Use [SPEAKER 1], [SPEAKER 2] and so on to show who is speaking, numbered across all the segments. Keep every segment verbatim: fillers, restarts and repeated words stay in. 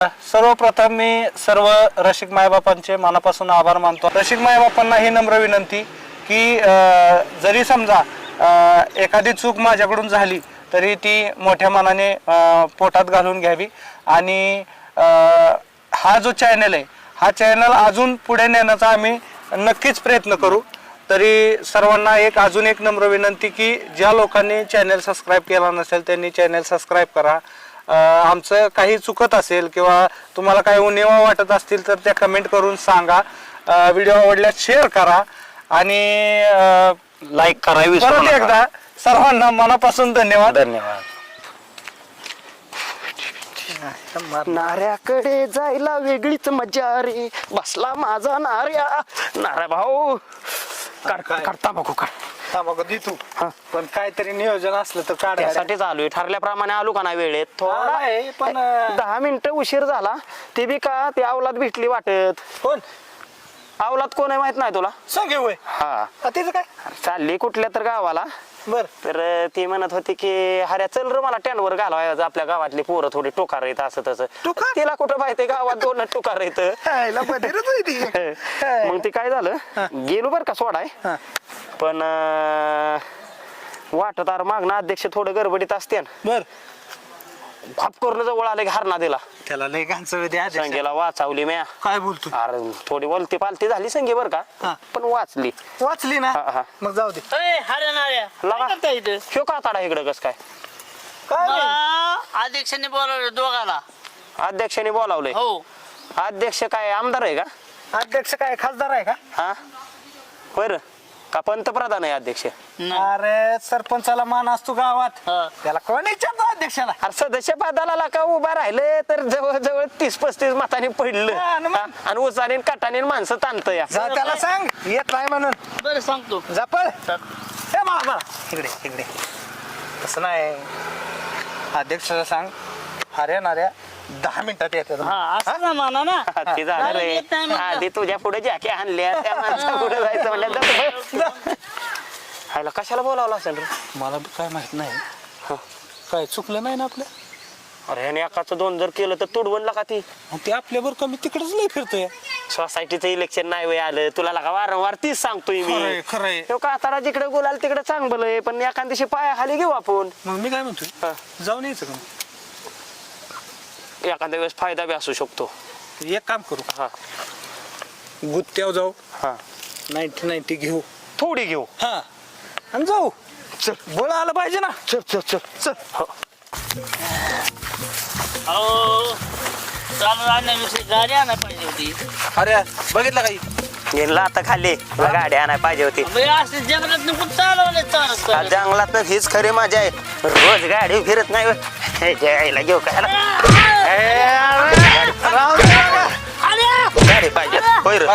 [SPEAKER 1] सर्वप्रथम मी सर्व रसिक मायबापांचे मनापासून आभार मानतो. रसिक मायबापांना ही नम्र विनंती की जरी समजा एखादी चूक माझ्याकडून झाली तरी ती मोठ्या मनाने पोटात घालून घ्यावी आणि हा जो चॅनल आहे हा चॅनल अजून पुढे नेण्याचा आम्ही नक्कीच प्रयत्न करू. तरी सर्वांना एक अजून एक नम्र विनंती की ज्या लोकांनी चॅनल सबस्क्राईब केला नसेल त्यांनी चॅनल सबस्क्राईब करा. आमचं काही चुकत असेल किंवा तुम्हाला काही उणिवा वाटत असतील तर त्या कमेंट करून सांगा. व्हिडिओ आवडल्यास शेअर करा आणि
[SPEAKER 2] लाईक करा.
[SPEAKER 1] परत एकदा सर्वांना मनापासून धन्यवाद.
[SPEAKER 2] धन्यवाद.
[SPEAKER 3] नाऱ्याकडे जायला वेगळीच मजा रे, बसला माझा नाऱ्या. नाऱ्या भाऊ करता बघू का
[SPEAKER 1] बघू दे तू, पण काहीतरी नियोजन असलं तर काढ.
[SPEAKER 3] त्यासाठीच आलोय, ठरल्याप्रमाणे आलो का नाही वेळेत. थोडा
[SPEAKER 1] आहे पण
[SPEAKER 3] दहा मिनिटं उशीर झाला. ते बी का ती अवलाद भेटली वाटत.
[SPEAKER 1] कोण
[SPEAKER 3] अवलाद कोण आहे माहित नाही तुला?
[SPEAKER 1] सांगे होय.
[SPEAKER 3] हा
[SPEAKER 1] तिचं काय
[SPEAKER 3] चालली कुठल्या तर गावाला.
[SPEAKER 1] बर
[SPEAKER 3] तर ती म्हणत होती की हऱ्या चल र मला टॅनवर घालवायचं, आपल्या गावातली पोरं थोडी टोकार येत असं तसं.
[SPEAKER 1] टोकार?
[SPEAKER 3] तिला कुठं माहिती गावात दोन टोकार येत. मग ती काय झालं, गेलो बर का सोडाय. पण वाटत अरे मागणं अध्यक्ष थोडं गडबडीत असते.
[SPEAKER 1] बर
[SPEAKER 3] भाप करून जवळ आले घारणा दिला.
[SPEAKER 1] त्याला लय गांचं द्या.
[SPEAKER 3] संगीला वाचवली म्या.
[SPEAKER 1] काय बोलतो?
[SPEAKER 3] अरे थोडी वलती पालती झाली संगी बर का, पण वाचली.
[SPEAKER 1] वाचली ना.
[SPEAKER 3] हा, हा.
[SPEAKER 1] मग जाऊ दे.
[SPEAKER 3] शो का ताडा इकडं कस काय?
[SPEAKER 4] अध्यक्षांनी बोलावलं दोघाला.
[SPEAKER 3] अध्यक्षाने बोलावलंय.
[SPEAKER 4] हो.
[SPEAKER 3] अध्यक्ष काय आमदार आहे का?
[SPEAKER 1] अध्यक्ष काय खासदार आहे का?
[SPEAKER 3] हा बर का पंतप्रधान आहे अध्यक्ष?
[SPEAKER 1] अरे सरपंचाला मान असतो गावात. त्याला कोण विचारतो अध्यक्षाला?
[SPEAKER 3] अरे सदस्य पदाला का उभा राहिले तर जवळ जवळ तीस पस्तीस मताने पडलं.
[SPEAKER 1] हा, न मग.
[SPEAKER 3] हा, आणि उचाने काटाने माणसं ताणत या.
[SPEAKER 1] जा त्याला सांग येत नाही म्हणून.
[SPEAKER 4] बरं सांगतो.
[SPEAKER 1] जापळ हे मला मला इकडे इकडे. तसं नाही, अध्यक्षाला सांग अरे नाऱ्या दहा मिनिटात येते.
[SPEAKER 4] हा असं ना म्हणा ना.
[SPEAKER 3] ते झालं रे.
[SPEAKER 4] येत नाही म्हणलं.
[SPEAKER 3] आधी तुझ्या पुढे ज्याक्या आणल्या त्या माणसा पुढे जायचं म्हणलं. हायला कशाला बोलावलं असेल रे?
[SPEAKER 1] मला काय माहित नाही. काय चुकलं नाही ना आपलं?
[SPEAKER 3] अरे ह्याने एकाचं दोन जर केलं तर तुडवणला का ती.
[SPEAKER 1] ते आपल्यावर कमी तिकडेच नाही फिरतोय.
[SPEAKER 3] सोसायटीचं इलेक्शन नाही वय आलं तुला लगा वारंवार तीच सांगतोय मी.
[SPEAKER 1] खरंय खरंय.
[SPEAKER 3] तो का आता जिकडे बोलाल तिकडे चांगलं आहे, पण एखाद दिवशी पाया खाली घेऊ आपण.
[SPEAKER 1] मग मी काय म्हणतोय,
[SPEAKER 3] हा.
[SPEAKER 1] जाऊन यायचं का?
[SPEAKER 3] एखाद्या वेळेस फायदा बी असू शकतो.
[SPEAKER 1] एक काम करू,
[SPEAKER 3] हा
[SPEAKER 1] गुत्त्यावर जाऊ,
[SPEAKER 3] हा
[SPEAKER 1] नाईन्टी नाईन्टी घेऊ.
[SPEAKER 3] थोडी घेऊ.
[SPEAKER 1] हा आणि जाऊ. चल बोला आलं पाहिजे ना.
[SPEAKER 3] चल चल चल
[SPEAKER 1] चल.
[SPEAKER 3] हो.
[SPEAKER 4] अहो चालू आणण्याविषयी गाडी आणायला पाहिजे होती.
[SPEAKER 1] अरे बघितलं काही?
[SPEAKER 3] गेला आता खाली तुला गाडी आणायला पाहिजे होती.
[SPEAKER 4] बाई, असे जंगलात कुठं चालवले चालत
[SPEAKER 3] आज जंगलात हीच खरी मजा आहे. रोज गाडी फिरत नाही होय. हे जायला घेऊ काय गाडी पाहिजे होय रे.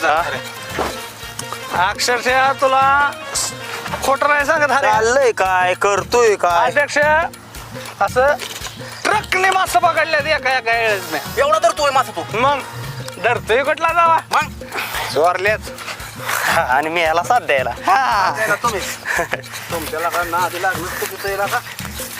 [SPEAKER 1] अक्षरशः तुला खोटं नाही सांगत. अरे
[SPEAKER 3] चाललंय काय करतोय काय?
[SPEAKER 1] अध्यक्ष असं ट्रकने मासे पकडल्यात एका एका वेळेस नाही.
[SPEAKER 2] एवढा तर तू माझा तू
[SPEAKER 1] मग धरतोय कुठला जावा
[SPEAKER 2] मग
[SPEAKER 1] चोरल्याच.
[SPEAKER 3] आणि मी याला साथ द्यायला.
[SPEAKER 2] तुम्ही तुमच्याला का ना आधी लागलं तुझं का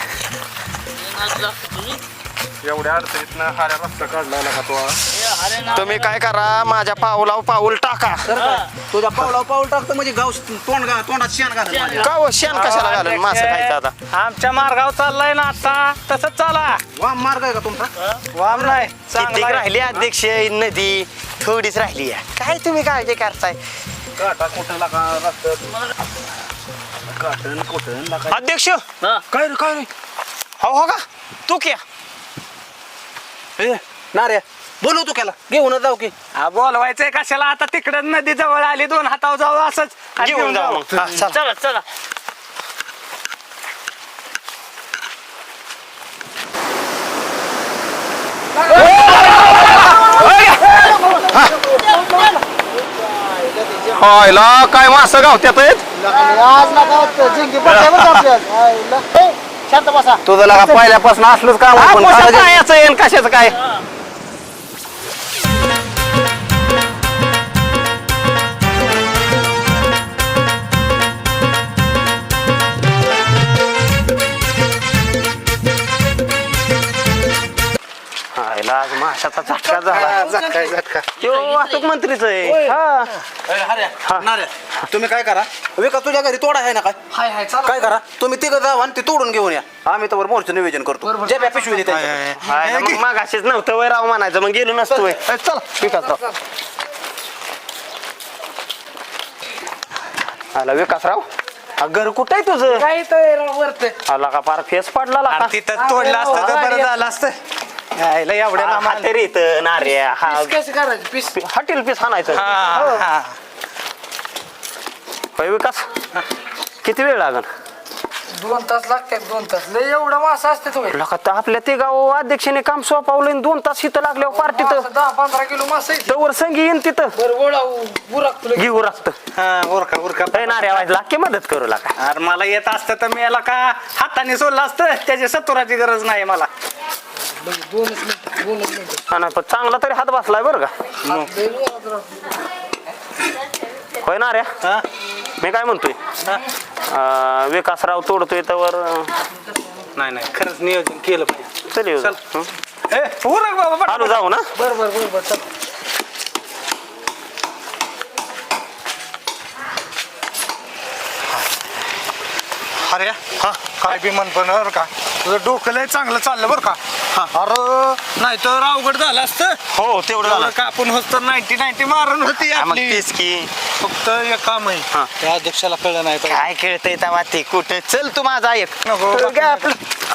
[SPEAKER 2] एवढ्या अडचणीत ना हाऱ्या रस्ता काढला का तो?
[SPEAKER 3] तुम्ही काय करा माझ्या पाऊलाव पाऊल टाका.
[SPEAKER 2] तुझ्या पावला पाऊल टाकतो म्हणजे गाव तोंड गा तोंडात शेण घाल.
[SPEAKER 3] का हो शेण कशाला घालून मासे खायचं आता?
[SPEAKER 1] आमच्या मार्गावर चाललाय ना आता तसंच चाला.
[SPEAKER 2] वाम मार्ग आहे का तुमचा?
[SPEAKER 1] वाम नाही
[SPEAKER 3] किती
[SPEAKER 1] चांगला
[SPEAKER 3] राहिली अध्यक्ष नदी थोडीच राहिली आहे. काय तुम्ही काळजी करताय?
[SPEAKER 2] काटा कुठं लागा रस्त्यात काटण कुठं लागा.
[SPEAKER 3] अध्यक्ष
[SPEAKER 2] काय रे काय रे
[SPEAKER 3] हो हो का तू क्या
[SPEAKER 2] ए नाऱ्या बोलवतो त्याला घेऊन जाऊ की.
[SPEAKER 1] हा बोलवायचंय कशाला आता? तिकडे नदी जवळ आली, दोन हातावर जाऊ असंच आणि
[SPEAKER 3] घेऊन जाऊ मग. हा, चला.
[SPEAKER 4] चला चला.
[SPEAKER 3] हायला काय मासं गावत्यात तुझं लगा पहिल्यापासून असलंच काम. येईन कशाचं काय? हायला आज माशाचा झटका झाला
[SPEAKER 2] झटका झटका
[SPEAKER 3] तो वाहतूक मंत्रीच आहे हा
[SPEAKER 2] हऱ्या नाऱ्या तुम्ही काय करा विकास तुझ्या घरी तोडा आहे ना काय
[SPEAKER 5] हाय हाय चाल
[SPEAKER 2] काय करा तुम्ही तिघं जावा आणि ते तोडून घेऊन या आम्ही तर मोर्चं नियोजन करतो जे बॅ पिशवी देते
[SPEAKER 3] हाय ना, मग मागाशीच नव्हतं वय राव म्हणायचं मग गेलो नसतो वय चला विकासराव आला विकासराव हा, घर कुठं आहे तुझं
[SPEAKER 5] काय तर वरते
[SPEAKER 3] आला का फार फेस पडला ला का?
[SPEAKER 1] तिथं तोडलं असतं तर बरं झालं असतं यायला एवढ्या
[SPEAKER 3] हा,
[SPEAKER 1] लांब
[SPEAKER 3] हा, तरी इथं नार्या हा
[SPEAKER 5] कसं करायचं पीस
[SPEAKER 3] हॉटेल पीस हाणायचं
[SPEAKER 1] हा, हा.
[SPEAKER 3] होय विकास किती वेळ लागल
[SPEAKER 5] दोन तास लागतात दोन तास लय एवढा मासा असते तो
[SPEAKER 3] लका तर आपल्या ते गाव अध्यक्षाने काम सोपावलं आणि दोन तास इथं लागल्यावर पार्टीत
[SPEAKER 5] मासा दहा पंधरा किलो मासा येते
[SPEAKER 3] तवर संगी येईन तिथं
[SPEAKER 5] बरं गोळा बुराक तुला
[SPEAKER 3] घेऊ लागतं
[SPEAKER 1] हा, उरका उरका
[SPEAKER 3] नार्या वाज लाके मदत करू लागा
[SPEAKER 1] अरे मला येत असतं तर मी याला का हाताने सोडलं असतं त्याची सत्तराची गरज नाही मला
[SPEAKER 5] दोनच मिनिट दोनच मिनिट
[SPEAKER 3] हा ना, पण चांगला तरी हात बसलाय बरं का
[SPEAKER 5] लय जोरात राहतो.
[SPEAKER 3] होय ना रे
[SPEAKER 1] हा?
[SPEAKER 3] मी काय म्हणतोय अं, विकासराव तोडतोय तर
[SPEAKER 1] नाही नाही खरंच नियोजन केलं पाहिजे
[SPEAKER 3] चल येऊ
[SPEAKER 1] चल.
[SPEAKER 3] हं?
[SPEAKER 1] ए, उरक बाबा पटकन.
[SPEAKER 3] चालू जाऊ ना
[SPEAKER 5] बरं बरं बरं बरं चल
[SPEAKER 1] अरे हा काय बी म्हण पण बरं का तुझं डोकं लय चांगलं चाललं बरं का अरे नाही तर अवघड झालं असतं
[SPEAKER 3] हो तेवढं
[SPEAKER 1] एवढं का आपण होत तर नाईन्टी नाईन्टी मारून होती
[SPEAKER 3] हा, मग
[SPEAKER 1] आपली
[SPEAKER 3] तेच की
[SPEAKER 1] फक्त एक काम आहे
[SPEAKER 3] हा.
[SPEAKER 1] त्या अध्यक्षाला कळलं नाही पाहिजे.
[SPEAKER 3] काय खेळतय तेव्हा ते कुठे चल तू माझा ऐक
[SPEAKER 1] नको,
[SPEAKER 3] तू
[SPEAKER 1] बाकी
[SPEAKER 3] काय आपलं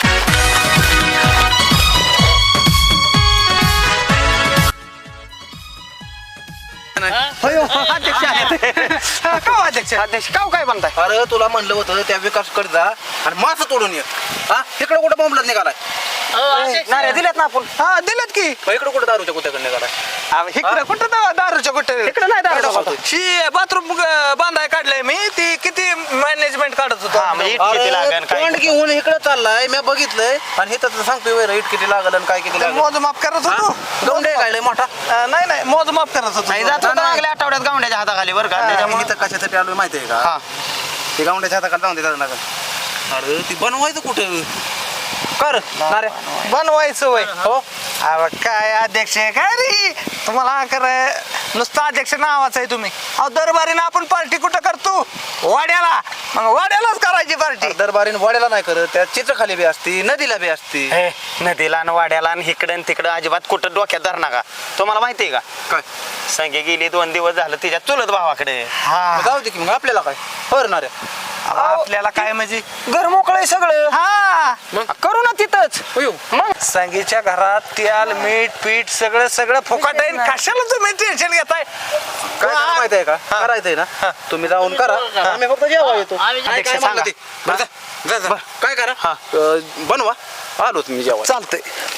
[SPEAKER 3] होय, हो, अध्यक्ष आहेत.
[SPEAKER 1] हा, का हो अध्यक्ष
[SPEAKER 3] अध्यक्ष काव काय बनताय
[SPEAKER 2] अरे तुला म्हणलं होतं त्या विकासकडे जा आणि मासा तोडून ये हा इकडे कुठं बोंबलत निघालाय
[SPEAKER 3] नार्या दिल्यात ना आपण
[SPEAKER 1] हा दिलेत की
[SPEAKER 2] इकडे कुठं दारूच्या कुत्याकडे निघालाय
[SPEAKER 1] इकडे कुठं दा- दारूच्या कुठे
[SPEAKER 3] इकडे नाही दारू
[SPEAKER 2] इकडं
[SPEAKER 3] होतं.
[SPEAKER 1] शी बाथरूम बांधाय काढलंय मी ती किती मॅनेजमेंट काढत होतो
[SPEAKER 3] हा, मग इट किती लागेल काय
[SPEAKER 2] तोंड घेऊन इकडे चाललाय मी बघितलंय आणि इथं तर सांगतोय वैर इट किती लागल आणि काय किती
[SPEAKER 1] ते
[SPEAKER 2] लागल
[SPEAKER 1] मोजमाप करत होतो
[SPEAKER 2] गौंडे गायले मोठा
[SPEAKER 1] अं, नाही नाही मोजमाप करत होतो
[SPEAKER 3] नाही जात होतं मागल्या आठवड्यात गावंड्याच्या हाताखाली बरं का
[SPEAKER 2] त्याच्यामुळे
[SPEAKER 3] त्याच्यामुळे
[SPEAKER 2] इथं कशासाठी आलोय माहितीये का
[SPEAKER 3] हा
[SPEAKER 2] ते गावंड्याच्या हाताखाली जाऊन देतात नका अरे ती बनवायचं कुठं कर नारे
[SPEAKER 1] बनवायचं वय
[SPEAKER 2] हो
[SPEAKER 1] अहो, काय अध्यक्ष आहे? काय रे तुम्हाला कर नुसतं अध्यक्ष नावाचं आहे तुम्ही अहो दरबारीनं आपण पार्टी कुठं करतो वाड्याला मग वाड्यालाच करायची पार्टी
[SPEAKER 2] दरबारीन वड्याला नाही करत त्या चित्रखाली बी असती नदीला बी असती
[SPEAKER 3] हे नदीला आणि वाड्याला आणि इकडं आणि तिकडं अजिबात कुठं डोक्यात धर नका तुम्हाला माहितीये का
[SPEAKER 2] काय
[SPEAKER 3] संगे गेली दोन दिवस झालं तिच्या चुलत भावाकडे
[SPEAKER 1] हा
[SPEAKER 2] मग जाऊ दे की मग आपल्याला काय हो नारे
[SPEAKER 1] अहो, आपल्याला काय म्हणजे
[SPEAKER 3] घर मोकळं आहे सगळं
[SPEAKER 1] हा
[SPEAKER 3] करू ना तिथंच
[SPEAKER 2] होय
[SPEAKER 3] मग
[SPEAKER 1] संगीच्या घरात तेल मीठ पीठ सगळं सगळं फुकट आहे कशाला तुम्ही टेन्शन घेताय
[SPEAKER 2] काय झालं माहिती आहे का करायचंय ना तुम्ही जाऊन करा आम्ही फक्त जेव्हा येतो
[SPEAKER 4] आम्ही
[SPEAKER 2] काय
[SPEAKER 3] अध्यक्ष
[SPEAKER 2] म्हणलं
[SPEAKER 3] सांगा.
[SPEAKER 2] ते? बरं जा, जा, जा. काय करा
[SPEAKER 3] हा.
[SPEAKER 2] अं, बनवा आलो तुम्ही जेव्हा
[SPEAKER 1] चालतंय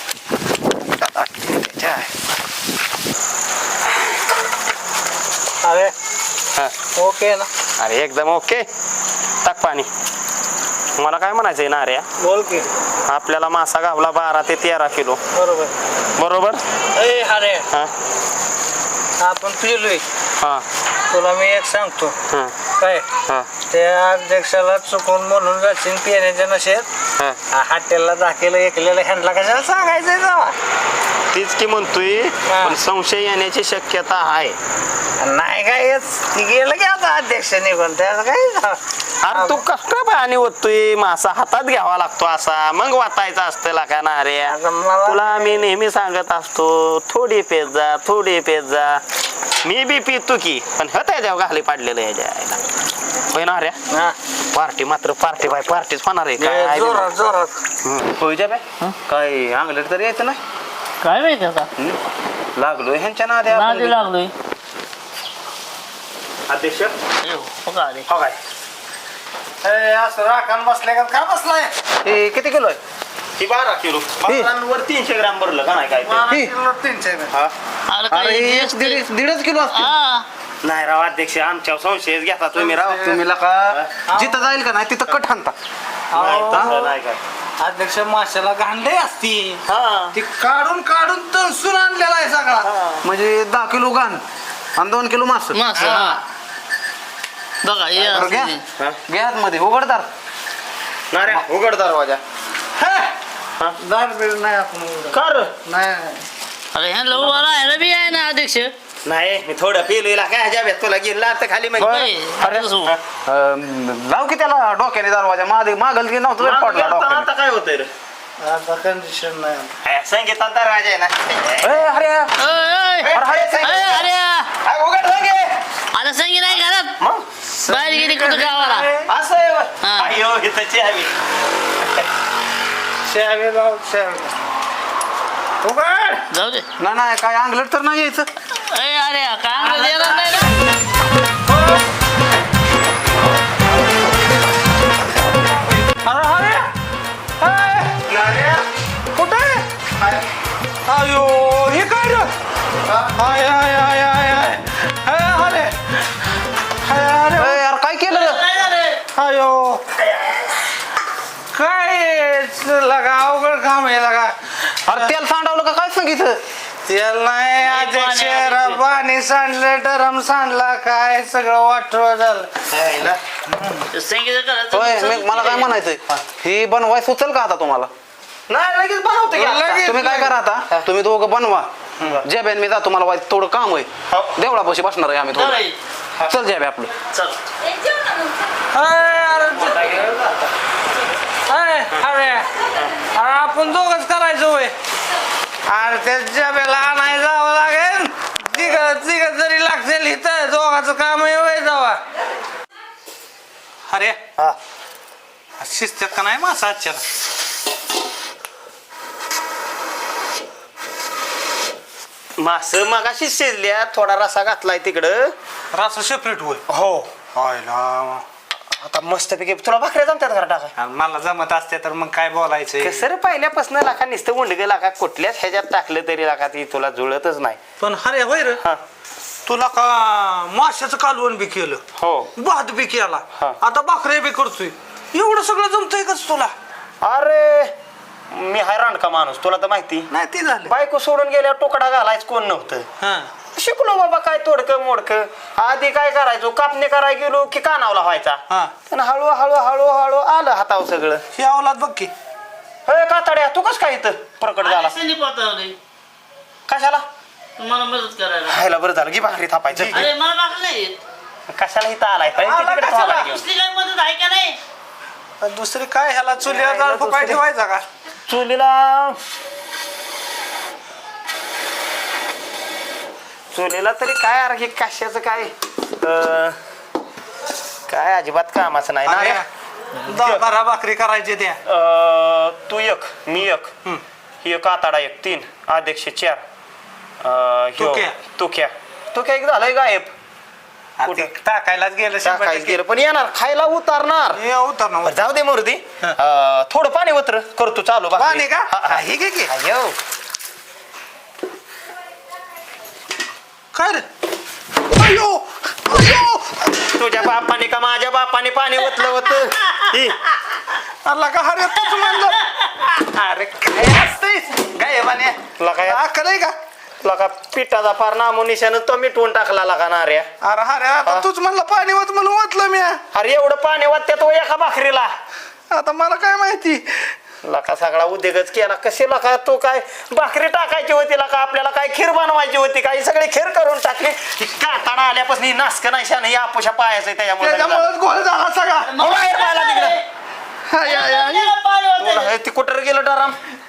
[SPEAKER 1] अरे
[SPEAKER 3] हा.
[SPEAKER 1] ओके ना
[SPEAKER 3] अरे एकदम ओके टाक पाणी मला काय म्हणायचंय ना अरे
[SPEAKER 1] बोल की
[SPEAKER 3] आपल्याला मासा गावला बारा ते तेरा किलो
[SPEAKER 1] बरोबर
[SPEAKER 3] बरोबर
[SPEAKER 1] ए अरे
[SPEAKER 3] हा
[SPEAKER 1] आपण पिलोय
[SPEAKER 3] हा
[SPEAKER 1] तुला मी एक सांगतो
[SPEAKER 3] हा
[SPEAKER 1] काय
[SPEAKER 3] हा
[SPEAKER 1] त्या अध्यक्षाला चुकून म्हणून जाशील पिण्याच्या नशेत
[SPEAKER 3] हा
[SPEAKER 1] हॉटेलला दाखल ऐकलेलं ह्यांना कशाला सांगायचंय जावा
[SPEAKER 3] तीच की म्हणतोय
[SPEAKER 1] हा.
[SPEAKER 3] पण संशय येण्याची शक्यता आहे
[SPEAKER 1] नाही काय येत. ती गेलं की आता अध्यक्ष निघून त्याचं काय
[SPEAKER 3] अरे तू कस काय पाणी ओततोय मासा हातात घ्यावा लागतो असा मग वाटायचा असतं का ना अरे
[SPEAKER 1] आता मला-
[SPEAKER 3] तुला मी नेहमी सांगत असतो थोडी पेत जा थोडी पेत जा मी बी पितो की पण ह त्याच्या घाली पाडलेलं याच्या आईला. होय ना अरे
[SPEAKER 1] हा.
[SPEAKER 3] पार्टी मात्र पार्टी बाय पार्टीच होणार आहे काय
[SPEAKER 1] जोरात जोरात
[SPEAKER 2] होय बे काय अंगलेट तरी यायचं नाही
[SPEAKER 4] काय माहिती आता
[SPEAKER 2] हं? लागलोय ह्यांच्या नादे आपण
[SPEAKER 4] नादी
[SPEAKER 2] बी.
[SPEAKER 4] लागलोय
[SPEAKER 3] अध्यक्ष
[SPEAKER 4] अयो, हो का रे?
[SPEAKER 3] हो काय
[SPEAKER 1] ए, असं राखण बसले का का बसलाय
[SPEAKER 2] हे किती किलो आहे
[SPEAKER 3] ही बारा किलो वर तीनशे ग्राम भरलं का नाही काय ते?
[SPEAKER 1] बारा किलो तीनशे ग्रॅम.
[SPEAKER 3] हा?
[SPEAKER 4] अरे काय
[SPEAKER 2] अरे
[SPEAKER 4] हे
[SPEAKER 2] एक
[SPEAKER 4] असते?
[SPEAKER 2] दीड दीडच किलो असते
[SPEAKER 4] हा.
[SPEAKER 3] नाही राव अध्यक्ष आमच्या संशयच घेता तुम्ही राव
[SPEAKER 2] तुम्ही का जिथं जाईल का नाही तिथं कट हाणता
[SPEAKER 3] नाही,
[SPEAKER 1] अहो,
[SPEAKER 3] तसं नाही काय
[SPEAKER 1] अध्यक्ष माशाला घांडे असती
[SPEAKER 3] हा
[SPEAKER 1] ती काढून काढून तळसून आणलेला आहे सगळा
[SPEAKER 2] म्हणजे दहा किलो घाण आणि दोन किलो मास
[SPEAKER 4] मास हा बघा हे
[SPEAKER 2] बरं, घ्या.
[SPEAKER 4] असते.
[SPEAKER 3] हा?
[SPEAKER 2] घ्या मध्ये उघडदार
[SPEAKER 3] ना रे उघड दरवाजा
[SPEAKER 1] दार बीर नाही आपण उघडत.
[SPEAKER 3] कर
[SPEAKER 1] नाही नाही.
[SPEAKER 4] अरे ह्या लहू वाला ह्याला बी आहे ना अध्यक्ष
[SPEAKER 3] नाही मी थोडं पेलोला काय जाब्यात तुला गेला तर खाली मग
[SPEAKER 2] बरं.
[SPEAKER 4] होय,
[SPEAKER 2] अरे
[SPEAKER 4] असं.
[SPEAKER 2] अं, लाव की त्याला डोक्याने दरवाजा मागे मागल की नव्हतं तरी पडला डोक्याने.
[SPEAKER 3] आता काय होतंय रे
[SPEAKER 1] आता कंडिशन नाही
[SPEAKER 3] संगीतात दरवाजा आहे ना
[SPEAKER 2] ए, अरे
[SPEAKER 4] ओय, ओय.
[SPEAKER 2] अरे, अरे, संगीत.
[SPEAKER 4] अरे अरे
[SPEAKER 3] काय उघड संगे
[SPEAKER 4] आता संगी नाही घरात
[SPEAKER 3] मग
[SPEAKER 4] बाहेर गेली कुठं गावाला
[SPEAKER 3] असं आहे होय.
[SPEAKER 4] हा.
[SPEAKER 3] अय्यो इथं चहावी
[SPEAKER 1] शावे लाव शावे उघड
[SPEAKER 4] जाऊ दे
[SPEAKER 2] नाही नाही काय अंगलट तर नाही यायचं.
[SPEAKER 4] अरे अरे काय देणार नाही ना
[SPEAKER 1] अरे अरे कुठे अयो हे काय रे हाय हाय हाय हाय हाय हाय अरे हाय अरे
[SPEAKER 2] ए, यार काय केलं रे?
[SPEAKER 4] काय झालं?
[SPEAKER 1] अयो काय लगा अवघड काम आहे लगा
[SPEAKER 2] अरे तेल सांडवलं का काय सांगितलं?
[SPEAKER 1] तेल नाही अध्यक्ष
[SPEAKER 4] पाणी,
[SPEAKER 1] पाणी सांडलं डरम सांडला काय सगळं वाटव झालं
[SPEAKER 4] संगीत करायचं
[SPEAKER 2] होय मी मला काय म्हणायचंय ही बनवाय सुचल का आता तुम्हाला?
[SPEAKER 3] नाही लगेच बनवतो की आता.
[SPEAKER 1] लगेच.
[SPEAKER 2] तुम्ही काय करा आता तुम्ही दोघं बनवा जेबेन मी जातो मला वाईट थोडं काम आहे देवळापाशी बसणार आहे आम्ही
[SPEAKER 4] जाऊ दे.
[SPEAKER 2] थोडं चल जेबे आपलं
[SPEAKER 4] चल
[SPEAKER 1] अरे अरे अरे अरे अरे आपण दोघच करायचं होय अरे त्या बेला आणाय जावं लागेल तिघ तिघ जरी लागतील इथं दोघाचं काम आहे होय जावा अरे शिस्त्यात का नाही मासा आजच्या
[SPEAKER 3] मास मगाशी शिजल्या थोडा रसा घातलाय तिकडं
[SPEAKER 1] रास सेपरेट होय
[SPEAKER 3] हो
[SPEAKER 1] हायला
[SPEAKER 3] आता मस्तपैकी तुला भाकऱ्या जमतात घरा टाका
[SPEAKER 1] मला जमत असते तर मग काय बोलायचं
[SPEAKER 3] कसं रे पहिल्यापासून लाका नुसतं उंडगे लाका कुठल्याच ह्याच्यात टाकलं तरी लाका ती तुला जुळतच नाही
[SPEAKER 1] पण अरे होय रे
[SPEAKER 3] हा
[SPEAKER 1] तुला का माशाचं कालवण बी केलं
[SPEAKER 3] हो
[SPEAKER 1] भात बी केला
[SPEAKER 3] हा.
[SPEAKER 1] आता भाकऱ्या बी करतोय एवढं सगळं जमतंय कस तुला
[SPEAKER 3] अरे मी हैराण का माणूस तुला तर माहिती
[SPEAKER 1] नाही ते झालं
[SPEAKER 3] बायको सोडून गेल्यावर तुकडा घालायच कोण नव्हतं
[SPEAKER 1] हा
[SPEAKER 3] शिकलो बाबा काय तोडकं मोडकं आधी काय करायचो कापणी करायला गेलो की कानावला व्हायचा
[SPEAKER 1] हा
[SPEAKER 3] पण हळू हळू हळू हळू आलं हातावर सगळं
[SPEAKER 1] हे अवलाद बघ की
[SPEAKER 3] हे कातड्या तू कस काय इथं प्रकट झाला
[SPEAKER 4] संधी पाहता
[SPEAKER 3] कशाला
[SPEAKER 4] तुम्हाला मदत करायला
[SPEAKER 3] खायला बरं झालं की भाकरी थापायची
[SPEAKER 4] अरे मला बाकी नाही
[SPEAKER 3] कशाला इथं आलाय
[SPEAKER 1] आला
[SPEAKER 3] तिकडे
[SPEAKER 1] कशाला?
[SPEAKER 3] थांबायला घेऊन.
[SPEAKER 4] दुसरी काय मदत आहे का नाही
[SPEAKER 1] आणि दुसरी काय ह्याला चुलीवर
[SPEAKER 3] नाही,
[SPEAKER 1] जाळ फुकाय
[SPEAKER 3] दुसरी-
[SPEAKER 1] ठेवायचा का
[SPEAKER 3] चुलीला चुलीला तरी काय अरे हे कशाचं काय अं, काय अजिबात कामाचं नाही ना रे.
[SPEAKER 1] दहा बारा भाकरी करायची त्या
[SPEAKER 3] अं, तू एक मी एक ही एक आताडा एक तीन अध्यक्ष चार अं, ह्यो-
[SPEAKER 1] तुक्या.
[SPEAKER 3] तुक्या तुक्या एक झालंय गायब
[SPEAKER 1] आता
[SPEAKER 3] कुठे?
[SPEAKER 1] टाकायलाच गेलं शंभर
[SPEAKER 3] टाकायचं
[SPEAKER 1] टक्के.
[SPEAKER 3] गेलं पण येणार खायला उतारणार
[SPEAKER 1] हे उतर ना
[SPEAKER 3] बरं, जाऊ दे मोरदी अं, थोडं पाणी वत्र करतो चालू भाकरी.
[SPEAKER 1] पाणी का
[SPEAKER 3] हा, हा.
[SPEAKER 1] हा, हे घे की
[SPEAKER 3] अय्यो.
[SPEAKER 1] काय रे अयो अयो
[SPEAKER 3] तुझ्या बापाने का माझ्या बापाने पाणी ओतलं होतं ही.
[SPEAKER 1] अल्ला का अरे तूच म्हणलं अरे काय असतंय काय बाने
[SPEAKER 3] तुला काय
[SPEAKER 1] अक्कल आहे का
[SPEAKER 3] तुला का पिठाचा फार नामोनिशानं तो मिटवून टाकला लागा ना रे
[SPEAKER 1] अरे अरे आता तूच म्हणलं पाणी होत म्हणून वाटलं मी
[SPEAKER 3] अरे एवढं पाणी वाटते तो एका भाकरीला
[SPEAKER 1] आता मला काय माहिती
[SPEAKER 3] लका सगळा उद्योगच केला कशी लका तो काय भाकरी टाकायची होती लका आपल्याला काय खीर बनवायची होती काय सगळी खीर करून टाकली ही काताडा आल्यापासून ही नासक नाही शान ही आपोशा पायाचं त्याच्यामुळे
[SPEAKER 1] त्याच्यामुळेच गोळ झाला सगळा
[SPEAKER 3] हो, बाहेर पाहिला तिकडे
[SPEAKER 1] हाय, हाय, हाय.
[SPEAKER 4] पाणी
[SPEAKER 3] तुला
[SPEAKER 4] होतं.
[SPEAKER 3] हे ती कुठं गेलं डराम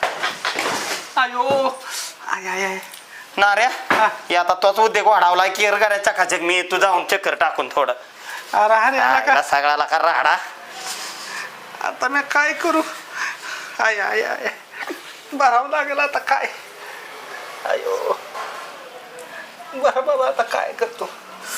[SPEAKER 1] अयो आय आय आय
[SPEAKER 3] नाऱ्या
[SPEAKER 1] हा.
[SPEAKER 3] हे आता तोच उद्योग वाढवलाय केर करायचा चकाचक मी तू जाऊन चक्कर टाकून थोडं
[SPEAKER 1] अरे अरे आला का
[SPEAKER 3] आईला सगळा लका राडा
[SPEAKER 1] आता मी काय करू आय आय आय भरावं लागेल आता काय अयो बरं बाबा आता काय करतो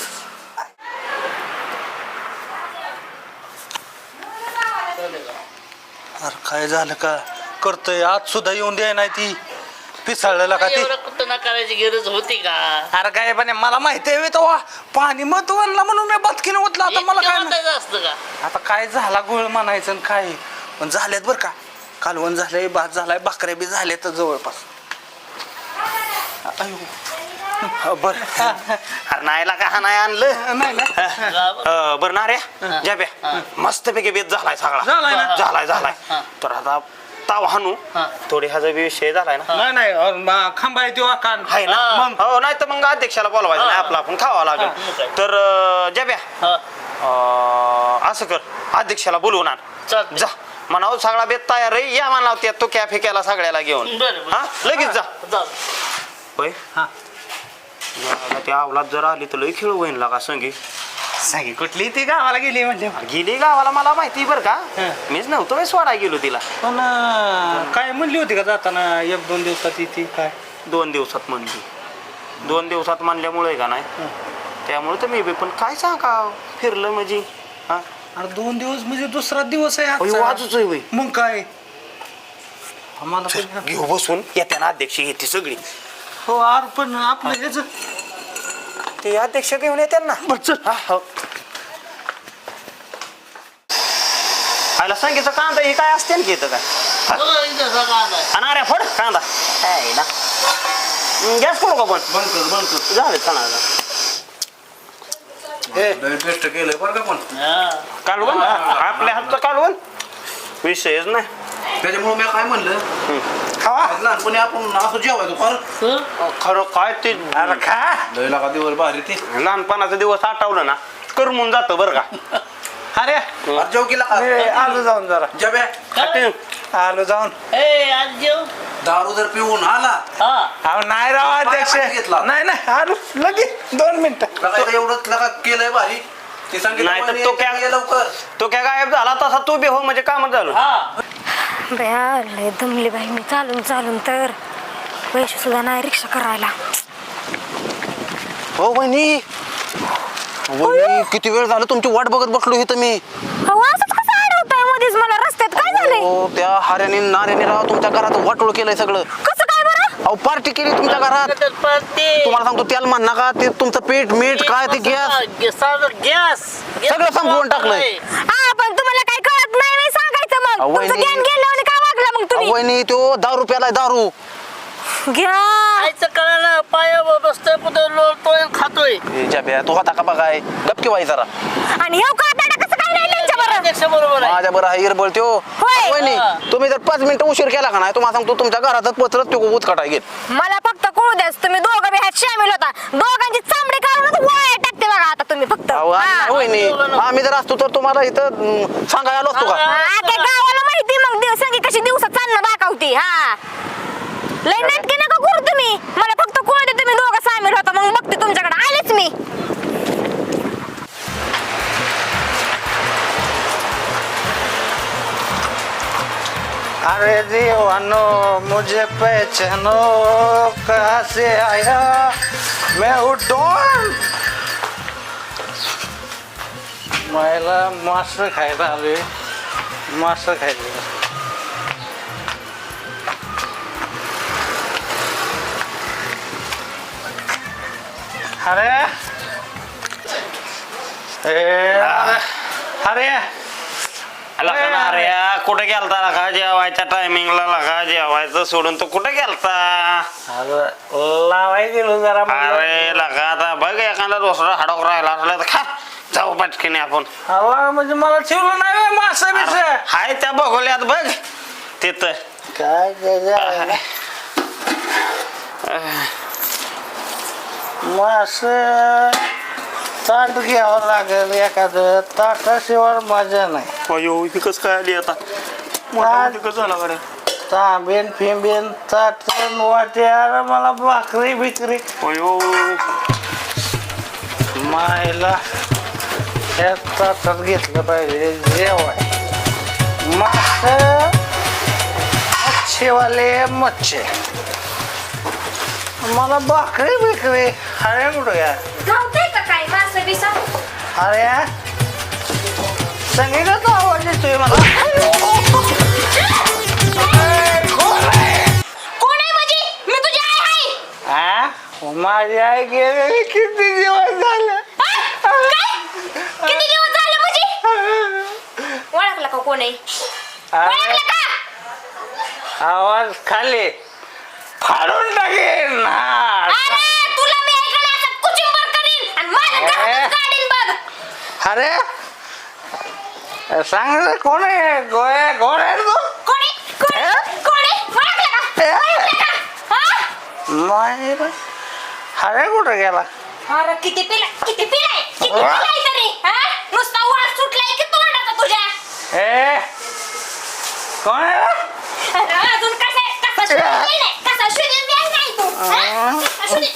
[SPEAKER 1] अरे काय झालं का करतोय आज सुद्धा येऊन द्याय नाही ती पिसाळलेला का ती
[SPEAKER 4] एवढं कुठं ना करायची गरज होती का
[SPEAKER 1] अरे काय पण मला माहिती आहे तेव्हा पाणी मत आणला म्हणून मी बदकीने ओतला आता मला
[SPEAKER 4] इतकं
[SPEAKER 1] काय माहित.
[SPEAKER 4] वाटायचं असतं का
[SPEAKER 1] आता काय झाला गोळ म्हणायचं आणि काय पण झालेत बरं का कालवण झालंय भात झालाय भाकऱ्या बी झाल्या तर जवळपास अयो
[SPEAKER 3] बर अरे नाही का हा नाही आणलं
[SPEAKER 1] नाही ना
[SPEAKER 3] अं, बरं नाऱ्या जाब्या मस्त पैकी बेत झालाय
[SPEAKER 1] झालाय
[SPEAKER 3] सगळा
[SPEAKER 1] ना?
[SPEAKER 3] झालाय झालाय
[SPEAKER 4] हा.
[SPEAKER 3] तर आता ताव हाणू
[SPEAKER 4] हा.
[SPEAKER 3] थोडी ह्याचा बी विषय झालाय ना
[SPEAKER 1] नाही नाही अ, मा- खांबा आहे तेव्हा कान
[SPEAKER 3] आहे ना
[SPEAKER 4] हा.
[SPEAKER 3] मग हो नाही तर मग अध्यक्षाला बोलवायचं
[SPEAKER 4] हा.
[SPEAKER 3] नाही आपला आपण खावा
[SPEAKER 4] हा,
[SPEAKER 3] लागेल
[SPEAKER 4] मग काय.
[SPEAKER 3] तर अं, जब्या
[SPEAKER 4] हा
[SPEAKER 3] अं, असं कर अध्यक्षाला बोलवून आण
[SPEAKER 4] चालतंय.
[SPEAKER 3] जा म्हणावं सगळा बेत तयार आहे या म्हणावं त्या तो कॅफे केला सगळ्याला घेऊन
[SPEAKER 4] बरं बरं.
[SPEAKER 3] हा लगेच जा
[SPEAKER 4] जा
[SPEAKER 3] होय
[SPEAKER 1] हा.
[SPEAKER 3] याला त्या अवलाद जर आली तर लई खेळ होईन लागा संगी
[SPEAKER 1] सांगी कुठली ती गावाला गेली म्हणजे
[SPEAKER 3] गेली गावाला मला माहिती बरं का
[SPEAKER 1] हा.
[SPEAKER 3] मीच नव्हतो मी सोडाय गेलो तिला
[SPEAKER 1] पण अ, काय म्हणली होती का जाताना एक दोन दिवसात ती काय
[SPEAKER 3] दोन दिवसात म्हणली दोन दिवसात म्हणल्यामुळे का नाही त्यामुळे तर मी बी पण काय सांगा फिरलं म्हणजे हा
[SPEAKER 1] अरे दोन दिवस म्हणजे दुसरा दिवस आहे
[SPEAKER 3] अयो,
[SPEAKER 1] आजचा.
[SPEAKER 3] आजच आहे होय.
[SPEAKER 1] मग काय आम्हाला पण-
[SPEAKER 3] घेऊ बसून येत्या ना अध्यक्ष येते सगळी
[SPEAKER 1] हो आर पण आपलं ह्याच
[SPEAKER 3] ते अध्यक्ष घेऊन येते ना हा, हो. आयला सांगितलं कांदा हे काय असते ना इथं काय
[SPEAKER 4] बघा इथं सगळं आलाय.
[SPEAKER 3] आणि अरे फड कांदा काय ना गॅस करू का पण
[SPEAKER 2] बंद कर बंद कर
[SPEAKER 3] झाले चांगला
[SPEAKER 2] बेस्ट केलंय बरं का पण
[SPEAKER 4] हा.
[SPEAKER 3] कालवण आपल्या हातचं कालवण विषयच नाही
[SPEAKER 2] त्याच्यामुळे मी काय म्हणलं लहानपणी आपण असं जेवायचो फार
[SPEAKER 4] हं?
[SPEAKER 3] खरं काय ते
[SPEAKER 1] अरे खा
[SPEAKER 2] लय लागा दिवस भारी ते
[SPEAKER 3] लहानपणाचा दिवस आठवलं ना करमून जातं बरं का
[SPEAKER 1] अरे
[SPEAKER 2] अरे जेव केला
[SPEAKER 1] मी
[SPEAKER 2] का
[SPEAKER 1] आलो जाऊन जरा
[SPEAKER 2] जब्या
[SPEAKER 3] खाते.
[SPEAKER 1] आलो जाऊन
[SPEAKER 4] ए आज जेव
[SPEAKER 2] दारू जर पिऊन आला
[SPEAKER 4] हा
[SPEAKER 1] अहो नाही राव अध्यक्ष
[SPEAKER 2] हाती घेतला.
[SPEAKER 1] नाही नाही आलो लगेच दोन मिनिटं
[SPEAKER 2] लगा इथं एवढं लगा केलंय भारी ते
[SPEAKER 3] नाही तर तो काय-
[SPEAKER 2] सांगितलं लवकर
[SPEAKER 3] तो काय गायब झाला तसा तू बी हो म्हणजे कामच झालं
[SPEAKER 4] हा
[SPEAKER 6] बया लय दमली बाई मी चालून चालून तर पैसे सुद्धा नाही रिक्षा करायला
[SPEAKER 3] हो वहिनी वहिनी किती वेळ झालं तुमची वाट बघत बसलो इथं मी
[SPEAKER 6] अहो असंच कसं अडवताय मध्येच मला रस्त्यात काय झालंय
[SPEAKER 3] हो त्या हाऱ्याने नाऱ्याने राव तुमच्या घरात वाटोळ केलंय सगळं
[SPEAKER 6] कसं काय बरं
[SPEAKER 3] अहो पार्टी केली तुमच्या घरात
[SPEAKER 4] ते
[SPEAKER 3] तुम्हाला सांगतो त्याला म्हण नका ते तुमचं पीठ मीठ काय ते गॅस
[SPEAKER 4] गॅस
[SPEAKER 3] सगळं संपवून टाकलंय.
[SPEAKER 6] हा पण तुम्हाला काय कळत नाही नाही सांगायचं मग
[SPEAKER 3] अहो,
[SPEAKER 6] तुमचं
[SPEAKER 3] वहिनी.
[SPEAKER 6] ज्ञान गेलं आणि काय वागला मग तुम्ही
[SPEAKER 3] वहिनी तो दारू प्यालाय दारू
[SPEAKER 6] घ्या
[SPEAKER 4] आयचं कळायला पायावर बसतोय पुढे लोळतोय खातोय
[SPEAKER 3] ए, जाब्या तू होता का बघाय गपकी वाई जरा
[SPEAKER 6] आणि हे का ताटा कसं काय नाही त्यांच्या बरं
[SPEAKER 4] अध्यक्ष बरोबर आहे
[SPEAKER 3] माझ्या बरं हा इरबळ त्यो
[SPEAKER 6] होय.
[SPEAKER 3] वहिनी तुम्ही जर पाच मिनिटं उशीर केला का नाही तुम्हाला सांगतो तुमच्या घरातच पचरत तो उचकाटाय घेत
[SPEAKER 6] मला फक्त कळू द्याच तुम्ही दोघं बी ह्यात शामिल होता दोघांची चामडी काढूनच वाया टाकते बघा आता तुम्ही फक्त
[SPEAKER 3] अहो, आम्ही
[SPEAKER 6] हा.
[SPEAKER 3] नाही वहिनी आम्ही जर असतो तर तुम्हाला इथं अं, सांगायला आलो असतो का
[SPEAKER 6] हा, त्या गावाला माहिती मग दिवस संगी कशी दिवसात चालणं दाखवती हा लय नाटके नका करू तुम्ही मला फक्त कळू दे तुम्ही दोघं सामील होता मग बघते तुमच्याकडे आलेच मी
[SPEAKER 1] अरे दीवानो मुझे पहचानो कहाँ से आया मैं हूँ डॉन मला मास्टर खायला आलोय मास्टर खायला अरे ए, अरे अरे
[SPEAKER 3] लका ना रे कुठे गेलता लका जेवायच्या टायमिंगला लका जेवायचं सोडून तो कुठे गेलता
[SPEAKER 1] अरे लावाय गेलो जरा म्हणलं.
[SPEAKER 3] अरे लका आता बघ एखादा दुसरा हाडोक राहिला असला तर खा जाऊ पटकीने आपण
[SPEAKER 1] हवा म्हणजे मला ठेवलं नाही मासा बिस
[SPEAKER 3] हाय त्या बघोल्यात बघ तिथं
[SPEAKER 1] काय त्याच्या मास ताट घ्यावं लागेल एखादं ताटाशिवाय मजा नाही
[SPEAKER 3] अयो ही कस काय आली आता मोठा कस झाला बरं
[SPEAKER 1] तांबेन फिंबेन ताटण वाटे अरे मला भाकरी बिकरी
[SPEAKER 3] अयो
[SPEAKER 1] मायला या ताटात घेतलं पाहिजे जेवाय मास मच्छीवाले मच्छी मला भाकरी बिकरी अरे कुठं या
[SPEAKER 6] धावतंय का काय मासं बिसं
[SPEAKER 1] अरे संगीताचा आवाज येतोय मला
[SPEAKER 6] कोण आहे माझी मी तुझी आई आहे
[SPEAKER 1] हा माझी आई गेलेली किती दिवस झालं
[SPEAKER 6] हा? काय? किती दिवस झाले माझी ओळखलं का कोण आहे ओळखलं
[SPEAKER 1] अरे,
[SPEAKER 6] का
[SPEAKER 1] आवाज खाली फाडून टाकेन हा.
[SPEAKER 6] अरे तुला मी ऐकलं असं कुचिंबर करीन आणि माझ्या घरातच काढीन बघ
[SPEAKER 1] अरे सांग रे, कोण आहे गोळ्या गोळ्या आहे तू
[SPEAKER 6] कोणी कोणी
[SPEAKER 1] नाही रे. अरे कुठं गेला
[SPEAKER 6] अरे किती पिलाय किती पिलाय किती पिलाय तरी हा नुसता वास सुटलाय की तोंडाचा तुझ्या
[SPEAKER 1] ए कोण आहे रे?
[SPEAKER 6] अरे अजून कसा कसा शोधून नाही कसा शोधून द्याय नाही तू हा? कसा शोधून-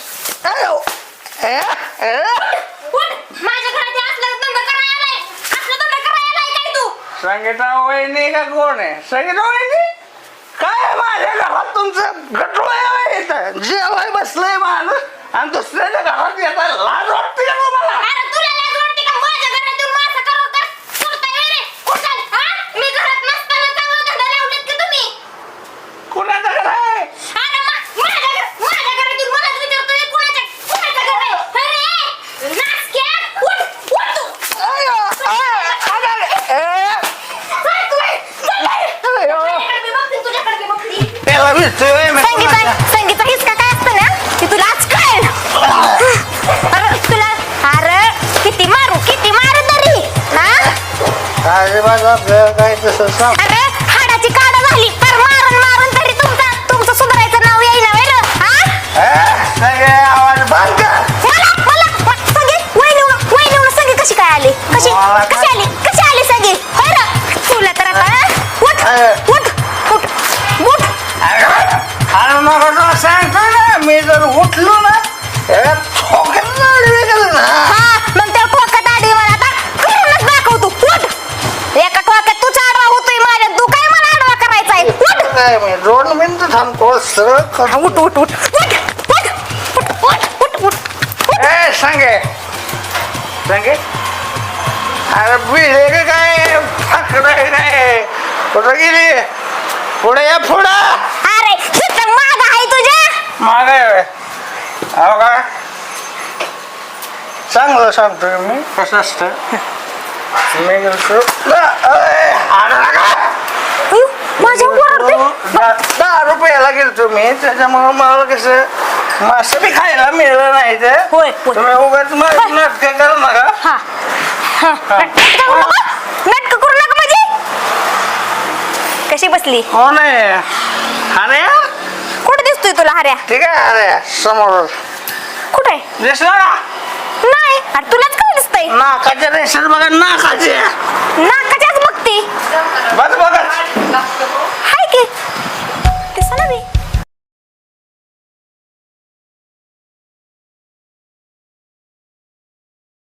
[SPEAKER 1] ए, ए.
[SPEAKER 6] उठ, माझ्या घरात हे असलं धंदा करायला आलाय असलं धंदा करायला आलाय काय तू
[SPEAKER 1] संगीता वहिनी का कोण आहे संगीता वहिनी काय माझ्या घरात तुमचं गटोळ आहे इथं जेवाय बसलंय माणूस आणि दुसऱ्याच्या घरात येता लाज वाटते का तुम्हाला
[SPEAKER 6] अरे तुला लाज वाटते का माझ्या घरात येऊन मासा करवता सोडताय व्हय रे कुठं हा मी घरात नसताना चांगला धंदा लावलेत की तुम्ही
[SPEAKER 1] कुणाचं घर आहे
[SPEAKER 6] अरे मा- माझ्या घर माझ्या घरात येऊन मलाच विचारतोय कुणाच्या कुणाचं घर आहे अरे नासक्या उठ उठ तू
[SPEAKER 1] अयो, अय, अगं, ए,
[SPEAKER 6] चल तू ए, चल बाहेर.
[SPEAKER 1] अयो.
[SPEAKER 6] तुझ्याकडे मी बघते, तुझ्याकडे मी बघते.
[SPEAKER 1] त्याला भेटतोय मी
[SPEAKER 6] संगीता
[SPEAKER 1] कुणाच्या-
[SPEAKER 6] संगीता हिसका काय असतं ना की तुला आज कळेल अरे तुला अरे किती मारू किती मारू तरी हा
[SPEAKER 1] अजिबात आपल्याला काय तसं सांग
[SPEAKER 6] अरे हाडाची काढ झाली पर मारून मारून तरी तुमचा तुमचं सुधारायचं नाव येईना वेळ हा
[SPEAKER 1] ए, सगळे आवाज बंद कर
[SPEAKER 6] मला मला मला- संगीत वहिनी वहिनी संगीत कशी काय आली कशी
[SPEAKER 1] मला
[SPEAKER 6] कशी
[SPEAKER 1] काय-
[SPEAKER 6] आली कशी आली संगीत होय रे तुला तर आता हा? उठ
[SPEAKER 1] अरे.
[SPEAKER 6] उठ उठ उठ
[SPEAKER 1] अरे नका तुला सांगतो ना मी जर उठलो ना एका ठोक्यात नाडी गेलं ना
[SPEAKER 6] हा मग त्या ठोक्यात आडी मला आता करूनच दाखव तू उठ एका ठोक्यात तूच आडवा होतोय माझ्या तू काय मला आडवा करायचा आहे उठ
[SPEAKER 1] काय मी दोन मिनिटं थांबतो सरळ
[SPEAKER 6] हा,
[SPEAKER 1] कर
[SPEAKER 6] उठ उठ उठ उठ उठ उठ उठ उठ उठ
[SPEAKER 1] ए सांगे सांगे अरे बिळे का काय फाकडं आहे काय कुठं गेली पुढे या पुढं
[SPEAKER 6] अरे इथं माग आहे तुझ्या
[SPEAKER 1] मागे अहो का चांगलं सांगतोय मी कसं असतं मी गेलो
[SPEAKER 6] अयो, माझ्या ओरडते
[SPEAKER 1] दहा दहा रुपयाला गेलतो मी त्याच्यामुळे मला कसं मासं बी खायला मिळलं नाही ते
[SPEAKER 6] होय, होय.
[SPEAKER 1] तुम्ही उगाच नाटक करू नका
[SPEAKER 6] हा हा नाटकं करू नका नाटकं करू नका म्हणजे कशी बसली
[SPEAKER 1] हो नाही अरे
[SPEAKER 6] कुठे दिसतोय तुला हऱ्या
[SPEAKER 1] ठीक आहे अरे समोर
[SPEAKER 6] कुठे
[SPEAKER 1] दिसला ना
[SPEAKER 6] नाही अरे तुलाच काय दिसतंय
[SPEAKER 1] नाकाच्या रेषेत बघा नाकाचे